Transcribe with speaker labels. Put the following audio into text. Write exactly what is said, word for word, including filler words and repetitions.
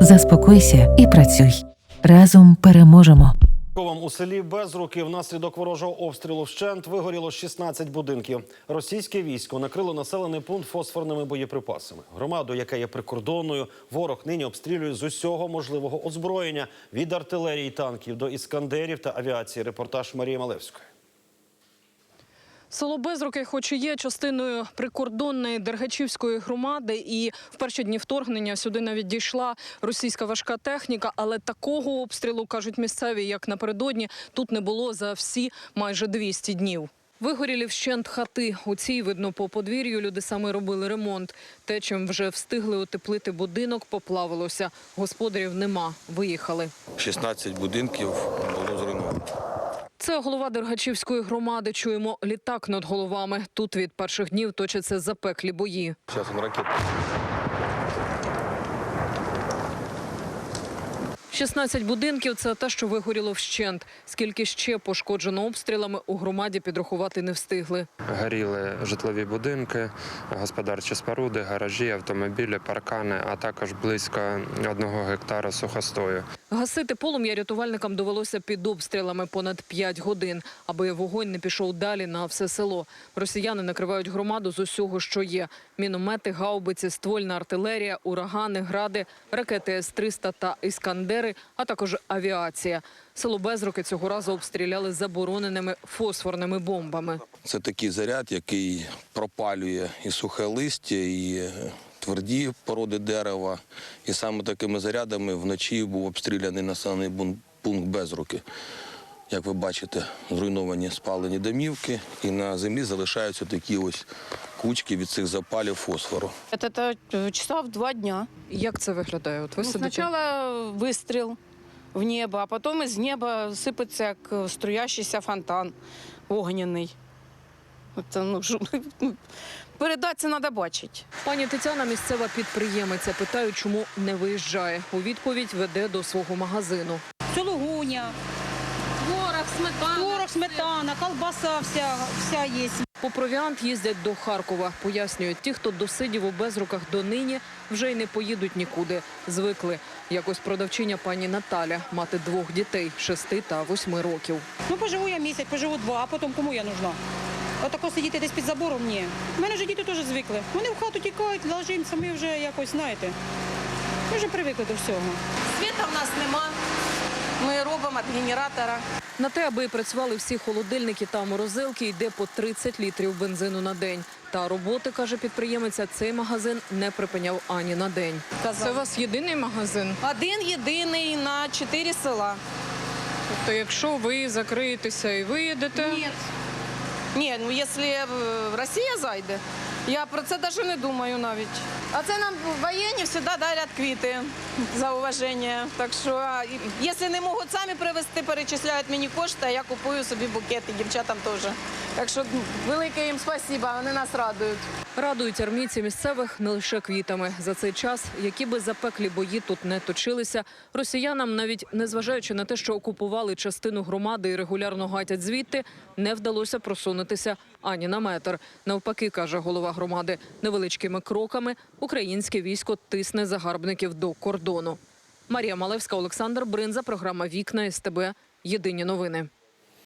Speaker 1: Заспокойся і працюй. Разом переможемо.
Speaker 2: У селі Безруки внаслідок ворожого обстрілу вщент вигоріло шістнадцять будинків. Російське військо накрило населений пункт фосфорними боєприпасами. Громаду, яка є прикордонною, ворог нині обстрілює з усього можливого озброєння – від артилерії, танків до іскандерів та авіації. Репортаж Марії Малевської.
Speaker 3: Село Безруки, хоч і є частиною прикордонної Дергачівської громади, і в перші дні вторгнення сюди навіть дійшла російська важка техніка, але такого обстрілу, кажуть місцеві, як напередодні, тут не було за всі майже двісті днів. Вигоріли вщент хати. У цій, видно, по подвір'ю люди саме робили ремонт. Те, чим вже встигли утеплити будинок, поплавилося. Господарів нема, виїхали.
Speaker 4: шістнадцять будинків було зруйновано.
Speaker 3: Це голова Дергачівської громади. Чуємо літак над головами. Тут від перших днів точаться запеклі бої.
Speaker 4: Зараз він ракет.
Speaker 3: шістнадцять будинків – це те, що вигоріло вщент. Скільки ще пошкоджено обстрілами, у громаді підрахувати не встигли.
Speaker 5: Горіли житлові будинки, господарчі споруди, гаражі, автомобілі, паркани, а також близько одного гектара сухостою.
Speaker 3: Гасити полум'я рятувальникам довелося під обстрілами понад п'ять годин, аби вогонь не пішов далі на все село. Росіяни накривають громаду з усього, що є. Міномети, гаубиці, ствольна артилерія, урагани, гради, ракети С триста та іскандери, а також авіація. Село Безруки цього разу обстріляли забороненими фосфорними бомбами.
Speaker 4: Це такий заряд, який пропалює і сухе листя, і тверді породи дерева. І саме такими зарядами вночі був обстріляний населений пункт Безруки. Як ви бачите, зруйновані спалені домівки, і на землі залишаються такі ось кучки від цих запалів фосфору.
Speaker 6: Це часа в два дня.
Speaker 3: Як це виглядає? От ви
Speaker 6: Ну,
Speaker 3: сидите?
Speaker 6: спочатку вистріл в небо, а потім із неба сипеться як струящийся фонтан огняний. Це, ну, передати це треба бачити.
Speaker 3: Пані Тетяна – місцева підприємиця. Питаю, чому не виїжджає. У відповідь веде до свого магазину.
Speaker 7: Сулугуня,
Speaker 8: Творог, сметана.
Speaker 7: творог, сметана, колбаса вся, вся є.
Speaker 3: По провіант їздять до Харкова. Пояснюють, ті, хто досидів у Безруках донині, вже й не поїдуть нікуди. Звикли. Якось продавчиня пані Наталя, мати двох дітей – шести та восьми років.
Speaker 7: Ну, поживу я місяць, поживу два, а потім кому я нужна? Отако сидіти десь під забором – ні. У мене вже діти теж звикли. Вони в хату тікають, ложимося, ми вже якось, знаєте, ми вже привикли до всього.
Speaker 6: Світа в нас нема, ми робимо від генератора.
Speaker 3: На те, аби працювали всі холодильники та морозилки, йде по тридцять літрів бензину на день. Та роботи, каже підприємиця, цей магазин не припиняв ані на день.
Speaker 6: Це у
Speaker 3: вас єдиний магазин?
Speaker 6: Один єдиний на чотири села.
Speaker 3: Тобто, якщо ви закриєтеся і виїдете?
Speaker 6: Ні. Ні, ну якщо Росія зайде, я про це навіть не думаю навіть. А це нам воєнні завжди дарять квіти за уваження. Так що, якщо не можуть самі привезти, перечисляють мені кошти, а я купую собі букети, дівчатам теж. Так що велике їм спасибо, вони нас радують.
Speaker 3: Радують армійці місцевих не лише квітами. За цей час, які би запеклі бої тут не точилися, росіянам, навіть незважаючи на те, що окупували частину громади і регулярно гатять звідти, не вдалося просунутися ані на метр. Навпаки, каже голова громади, невеличкими кроками українське військо тисне загарбників до кордону. Марія Малевська, Олександр Бринза, програма «Вікна СТБ». Єдині новини.